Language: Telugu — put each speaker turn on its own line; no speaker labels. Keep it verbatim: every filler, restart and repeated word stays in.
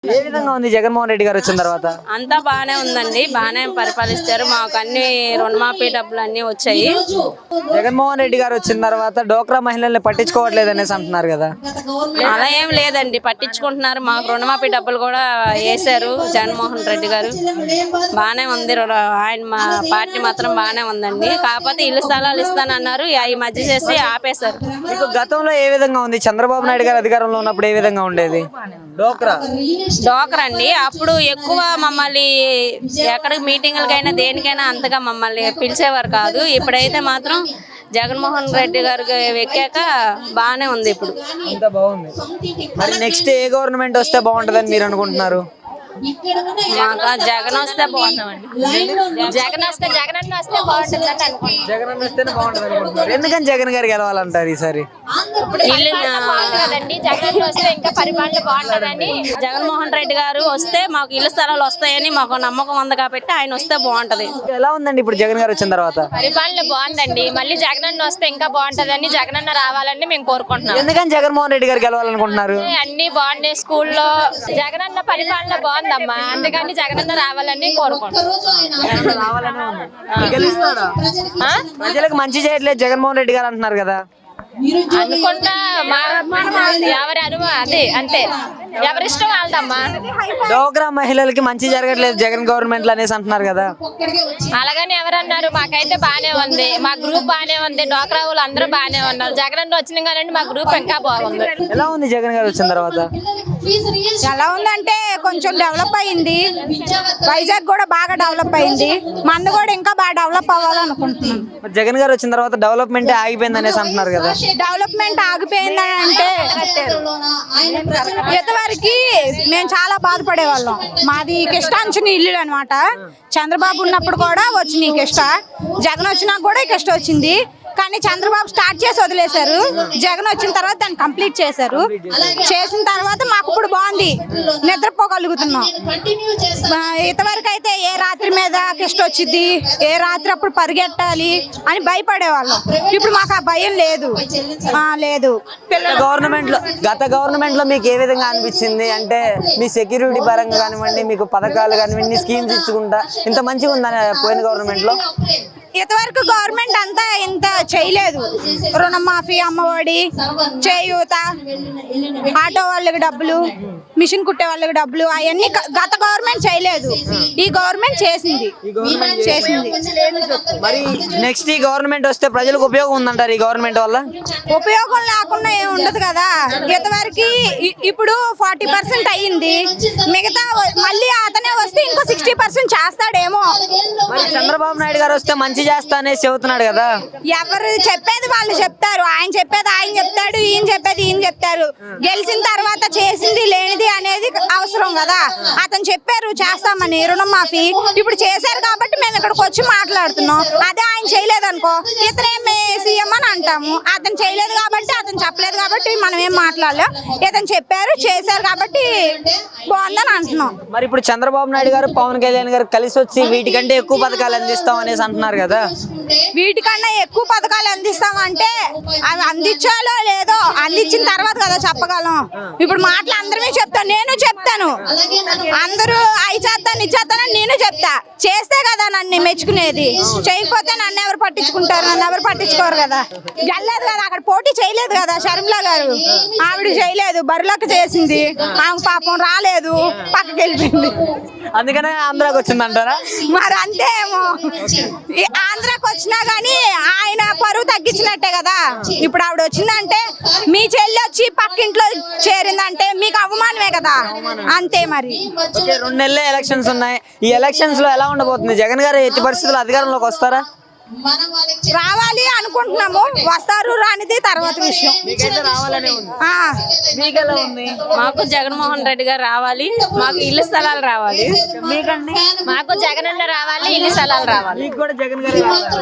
ఏ విధంగా ఉంది జగన్మోహన్ రెడ్డి గారు వచ్చిన తర్వాత?
అంతా బాగానే ఉందండి, బాగానే పరిపాలిస్తారు. మాకు అన్ని రుణమాఫీ డబ్బులు అన్ని వచ్చాయి.
జగన్మోహన్ రెడ్డి గారు వచ్చిన తర్వాత డోక్రా మహిళల్ని పట్టించుకోవట్లేదు అనేసి అంటున్నారు కదా.
అలా ఏం లేదండి, పట్టించుకుంటున్నారు. మాకు రుణమాఫీ డబ్బులు కూడా వేశారు జగన్మోహన్ రెడ్డి గారు. బాగానే ఉంది, ఆయన మా పార్టీ మాత్రం బాగానే ఉందండి. కాకపోతే ఇల్లు స్థలాలు ఇస్తానన్నారు, ఈ మధ్య చేసి ఆపేశారు.
మీకు గతంలో ఏ విధంగా ఉంది? చంద్రబాబు నాయుడు గారు అధికారంలో ఉన్నప్పుడు ఏ విధంగా ఉండేది? డోక్రా
డోక్రా అండి, అప్పుడు ఎక్కువ మమ్మల్ని ఎక్కడికి మీటింగులకైనా దేనికైనా అంతగా మమ్మల్ని పిలిచేవారు కాదు. ఇప్పుడైతే మాత్రం జగన్మోహన్ రెడ్డి గారికి ఎక్కాక బాగానే ఉంది. ఇప్పుడు
అంతా బాగుంది. మరి నెక్స్ట్ ఏ గవర్నమెంట్ వస్తే బాగుంటుందని మీరు అనుకుంటున్నారు?
మాకు జగన్ వస్తే బాగుంటామండి. జగన్ వస్తే జగన్ అన్న వస్తే బాగుంటుంది అనుకుంటున్నాం.
జగన్ అన్న వస్తేనే బాగుంటుంది అనుకుంటున్నారు. ఎందుకని జగన్ గారు గెలవాలంటారు ఈసారి?
ఇల్లు జగన్ వస్తే ఇంకా పరిపాలన బాగుంటుందని, జగన్మోహన్ రెడ్డి గారు వస్తే మాకు ఇల్లు స్థలాలు వస్తాయని మాకు నమ్మకం ఉంది కాబట్టి ఆయన వస్తే బాగుంటది.
ఎలా ఉందండి ఇప్పుడు జగన్ గారు వచ్చిన తర్వాత?
పరిపాలన బాగుందండి, మళ్ళీ జగన్ అన్న వస్తే ఇంకా బాగుంటదని, జగన్ అన్న రావాలని మేము కోరుకుంటున్నాం.
ఎందుకని జగన్మోహన్ రెడ్డి గారు గెలవాలనుకుంటున్నారు?
అన్ని బాగున్నాయి, స్కూల్లో జగన్ అన్న పరిపాలన బాగుందమ్మా, అందుకని జగన్ అన్న రావాలని కోరుకుంటున్నాం.
ప్రజలకు మంచి చేయట్లేదు జగన్మోహన్ రెడ్డి గారు అంటున్నారు కదా.
అనుకుంటా ఎవరి అనుభవం అదే, అంతే, ఎవరిష్టం వాళ్ళదమ్మా.
డోక్రా మహిళలకి మంచి జరగట్లేదు జగన్ గవర్నమెంట్ లో అనేసి అంటున్నారు కదా.
అలాగని ఎవరన్నారు? మాకైతే బాగానే ఉంది, మా గ్రూప్ బాగానే ఉంది, డోక్రా వాళ్ళు అందరూ బాగానే ఉన్నారు. జగన్ అన్న వచ్చిన కానీ మా గ్రూప్ ఇంకా బాగుంది.
ఎలా ఉంది జగన్ గారు వచ్చిన తర్వాత?
ఎలా ఉందంటే కొంచెం డెవలప్ అయింది, వైజాగ్ కూడా బాగా డెవలప్ అయింది, మంద కూడా ఇంకా బాగా డెవలప్ అవ్వాలనుకుంటున్నాం.
జగన్ గారు వచ్చిన తర్వాత డెవలప్మెంట్ ఆగిపోయింది అనేసి అంటున్నారు కదా.
డెవలప్మెంట్ ఆగిపోయిందని అంటే ఇంతవరకు మేము చాలా బాధపడే వాళ్ళం. మాది కిష్టాంచిన ఇల్లు అనమాట. చంద్రబాబు ఉన్నప్పుడు కూడా వచ్చినాయి కిష్ట, జగన్ వచ్చినా కూడా కిష్ట వచ్చింది. కానీ చంద్రబాబు స్టార్ట్ చేసి వదిలేశారు, జగన్ వచ్చిన తర్వాత దాన్ని కంప్లీట్ చేశారు. చేసిన తర్వాత మాకు ఇప్పుడు బాగుంది, నిద్రపోగలుగుతున్నాం. ఇంతవరకు అయితే ఏ రాత్రి మీద కిష్ట వచ్చింది, ఏ రాత్రి అప్పుడు పరిగెట్టాలి అని భయపడేవాళ్ళం. ఇప్పుడు మాకు ఆ భయం లేదు. లేదు
గవర్నమెంట్ లో గత గవర్నమెంట్ లో మీకు ఏ విధంగా అనిపించింది? అంటే మీ సెక్యూరిటీ పరంగా కానివ్వండి, మీకు పథకాలు కానివ్వండి, స్కీమ్స్ ఇచ్చుకుంటా ఇంత మంచిగా ఉందని పోయిన గవర్నమెంట్ లో?
ఇంతవరకు గవర్నమెంట్ అంతా ఇంత చేయలేదు. రుణమాఫీ, అమ్మఒడి, చేయూత, ఆటో వాళ్ళకి డబ్బులు, మిషన్ కుట్టే వాళ్ళకి డబ్బులు, అవన్నీ గత గవర్నమెంట్ చేయలేదు. ఈ గవర్నమెంట్ చేసింది చేసింది
మరి నెక్స్ట్ ఈ గవర్నమెంట్ వస్తే ప్రజలకు ఉపయోగం ఉందంటారు? ఈ గవర్నమెంట్ వల్ల
ఉపయోగం లేకుండా ఏమి ఉండదు కదా. ఇంతవరకు ఇప్పుడు ఫార్టీ పర్సెంట్ అయ్యింది, మిగతా మళ్ళీ అతనే వస్తే ఇంకో సిక్స్టీ పర్సెంట్ చేస్తాడేమో.
మరి చంద్రబాబు నాయుడు గారు వస్తే మంచి చేస్తానే చెబుతున్నాడు కదా.
ఎవరు చెప్పేది వాళ్ళు చెప్తారు, ఆయన చెప్పేది ఆయన చెప్తాడు, ఈయన చెప్పేది ఈయన చెప్తారు. గెలిచిన తర్వాత చేసింది లేనిది అనేది అవసరం కదా. అతను చెప్పారు చేస్తామని రుణమాఫీ, ఇప్పుడు చేశారు కాబట్టి మేము ఇక్కడికి వచ్చి మాట్లాడుతున్నాం. అదే ఆయన చేయలేదు అనుకో, ఇతనేమి సీఎం అని అంటాము. అతను చేయలేదు కాబట్టి, అతను చెప్పలేదు కాబట్టి మనం ఏం మాట్లాడలేం. ఇతను చెప్పారు చేశారు కాబట్టి బాగుందని అంటున్నాం.
మరి ఇప్పుడు చంద్రబాబు నాయుడు గారు పవన్ కళ్యాణ్ గారు కలిసి వచ్చి వీటికంటే ఎక్కువ పథకాలు అందిస్తాం అనేసి అంటున్నారు కదా.
వీటికన్నా ఎక్కువ పథకాలు అందిస్తామంటే అవి అందించాలో లేదో అందించిన తర్వాత కదా చెప్పగలం. ఇప్పుడు మాటలు అందరమే చెప్తాను, నేను చెప్తాను, అందరూ అవి చేస్తాను ఇది చేస్తానని నేను చెప్తా. చేస్తే కదా నన్ను మెచ్చుకునేది, చేయకపోతే నన్ను ఎవరు పట్టించుకుంటారు? నన్ను ఎవరు పట్టించుకోరు కదా. వెళ్ళలేదు కదా, అక్కడ పోటీ చేయలేదు కదా షర్మిల గారు. ఆవిడ చేయలేదు, బరిలోకి చేసింది, ఆమె పాపం రాలేదు, పక్కకి వెళ్ళిపోయింది.
అందుకనే ఆంధ్రాకి వచ్చిందంటారా?
మరి అంతే ఏమో. ఆంధ్రాకి వచ్చినా గానీ ఆయన పరువు తగ్గించినట్టే కదా. ఇప్పుడు ఆవిడ వచ్చిందంటే మీ చెల్లి వచ్చి పక్కింట్లో చేరిందంటే మీకు అవమానమే కదా, అంతే. మరి
రెండు నెలలే ఎలక్షన్స్ ఉన్నాయి. ఈ ఎలక్షన్స్ లో ఎలా ఉండబోతుంది? జగన్ గారు ఎట్టి పరిస్థితుల్లో అధికారంలోకి వస్తారా?
రావాలి అనుకుంటున్నాము, వస్తారు రానిది తర్వాత విషయం.
మాకు జగన్మోహన్ రెడ్డి గారు రావాలి, మాకు ఇల్లు స్థలాలు రావాలి.
మీకండి?
మాకు జగన్ అన్న రావాలి, ఇల్లు స్థలాలు రావాలి.
మీకు కూడా జగన్ గారు